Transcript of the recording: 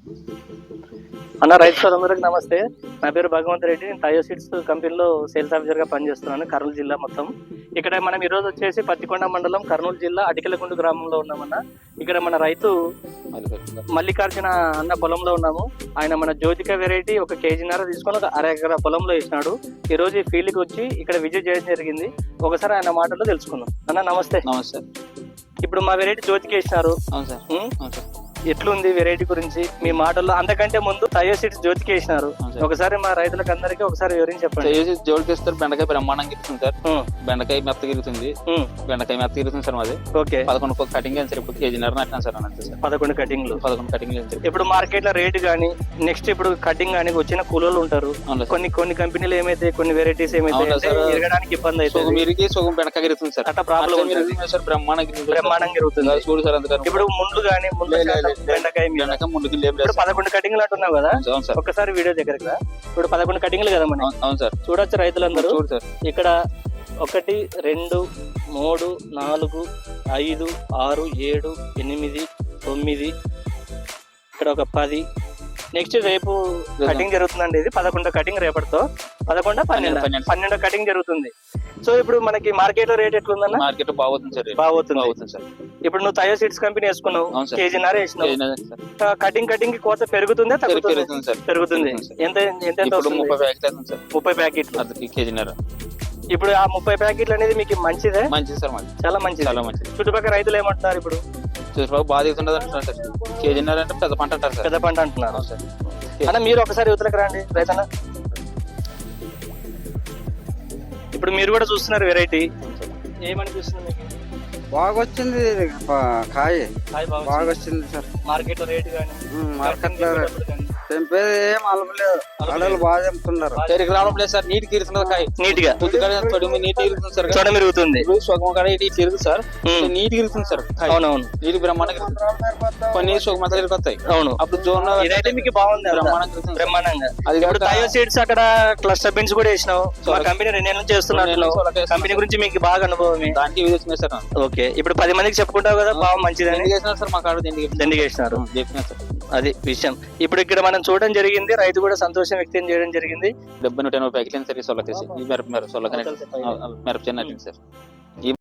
అన్న రైతు సోదరులకు నమస్తే. నా పేరు భగవంత్ రెడ్డి. నేను టయో సీడ్స్ కంపెనీలో సేల్స్ ఆఫీసర్ గా పనిచేస్తున్నాను కర్నూలు జిల్లా మొత్తం. ఇక్కడ మనం ఈ రోజు వచ్చేసి పత్తికొండ మండలం కర్నూలు జిల్లా అటికలగుండు గ్రామంలో ఉన్నామన్న. ఇక్కడ మన రైతు మల్లికార్జున అన్న పొలంలో ఉన్నాము. ఆయన మన జ్యోతిక వెరైటీ 1 కేజీన్నర తీసుకొని 1/2 ఎకరా పొలంలో వేసినాడు. ఈ రోజు ఈ ఫీల్డ్కి వచ్చి ఇక్కడ విజిట్ చేయడం జరిగింది. ఒకసారి ఆయన మాటల్లో తెలుసుకుందాం. అన్న నమస్తే. నమస్తే. ఇప్పుడు మా వెరైటీ జ్యోతికి వేసినారు. అవును సార్. అవును సార్. ఎట్లుంది వెరైటీ గురించి మీ మాటల్లో? అంతకంటే ముందు టయో సీడ్స్ జ్యోతికి వేసినారు. ఒకసారి మా రైతులకు అందరికీ ఒకసారి వివరించి చెప్పండి. జోడికి ఇస్తారు. బెండకాయ బ్రహ్మాండంగా ఇరుతుంది సార్. బెండకాయ మెత్త ఇరుగుతుంది. బెండకాయ మెత్త ఇరుగుతుంది సార్. మాది ఓకే 11 కటింగ్ సార్. ఇప్పుడు కేజీన్నర నాటినాం సార్. అంతే సార్. 11 కటింగ్లు. 11 కటింగ్. ఇప్పుడు మార్కెట్ లో రేట్ గానీ నెక్స్ట్ ఇప్పుడు కటింగ్ గానీ వచ్చిన కూలోళ్ళు ఉంటారు. కొన్ని కంపెనీలు ఏమైతే కొన్ని వెరైటీస్ ఏమైతే ఎరగడానికి ఇబ్బంది అవుతుంది. మీరికి సగం బెండకాయ ఇరుగుతుంది సార్. అట్లా ప్రాబ్లం సార్. బ్రహ్మాండంగా ఇరుగుతుంది. చూడు సార్. అందుకని ఇప్పుడు ముండ్లు గానీ బెండకాయ ముందుకు లేదు. 11 కటింగ్లు అంటున్నావు కదా. ఒకసారి వీడియో దగ్గరకు రా. ఇప్పుడు 11 కటింగ్లు కదా మనం. అవును సార్. చూడొచ్చు రైతులందరూ. చూడు సార్. ఇక్కడ 1 2 3 4 5 6 7 8 9 ఇక్కడ ఒక 10. నెక్స్ట్ రేపు కటింగ్ జరుగుతుందండి. ఇది 11 కటింగ్ రేపటితో 11 12 కటింగ్ జరుగుతుంది. సో ఇప్పుడు మనకి మార్కెట్ లో రేట్ ఎట్లుందన్న? మార్కెట్ బాగుంది సార్. బాగుంది సార్. ఇప్పుడు నువ్వు టయో సీడ్స్ కంపెనీ వేసుకున్నావు. కేజీన్నర వేసినావు. కటింగ్ కోత పెరుగుతుందా తగ్గుతుంది? పెరుగుతుంది. ఎంత 30 ప్యాకెట్లు కేజీన్నర. ఇప్పుడు ఆ 30 ప్యాకెట్లు అనేది మీకు మంచిదే? మంచిది సార్. చాలా మంచిది. చుట్టుపక్కల రైతులు ఏమంటున్నారు? ఇప్పుడు చూసుకో బాగా దిగుతుండదు అంటున్నారు సార్. కేజీన్నర అంటే పెద్ద పంట అంటారు సార్. పెద్ద పంట అంటున్నారు సార్. అన్న మీరు ఒకసారి యువతలకు రండి రైతన్న. ఇప్పుడు మీరు కూడా చూస్తున్నారు వెరైటీ. ఏమనిపిస్తుంది మీకు? బాగా వచ్చింది. కాయ బాగా వచ్చింది సార్. మార్కెట్ లో రేట్ కానీ మార్కెట్ లో తెంపేది ఏం అలపలేదు. అడలు బాగా తెంపుతున్నారు. సరికి రావడం లేదు సార్. నీట్ ఇరుగుతున్నది కాయ. నీట్ గా నీట్ ఇరుగుతుంది సార్. చూడ మెరుగుతుంది. సుగమ కాడ ఇటు ఇరుగుతుంది సార్. నీట్ ఇరుగుతుంది సార్. అవునవును. నీటి బ్రహ్మాండంగా కొన్ని సుగమతలు ఇరుగుతాయి. అవును. అప్పుడు జోన్ ఇదైతే మీకు బాగుంది. బ్రహ్మాండంగా. అది ఇప్పుడు టయో సీడ్స్ అక్కడ క్లస్టర్ బీన్స్ కూడా వేసినావు. మా కంపెనీ 2 నెలలు చేస్తున్నారు. కంపెనీ గురించి మీకు బాగా అనుభవం. దానికి వచ్చినాయి సార్. ఓకే. ఇప్పుడు 10 మందికి చెప్పుకుంటావు కదా బాగా మంచిదని. చేసినారు సార్. మా కాడ దండిగా వేసినారు. అది విషయం. ఇప్పుడు ఇక్కడ మనం చూడడం జరిగింది. రైతు కూడా సంతోషం వ్యక్తం చేయడం జరిగింది. 70-180 ప్యాకెట్లు సార్. ఈ సొల్లకేసి ఈ మిరప సొల్లకనే మిరప చిన్న సార్.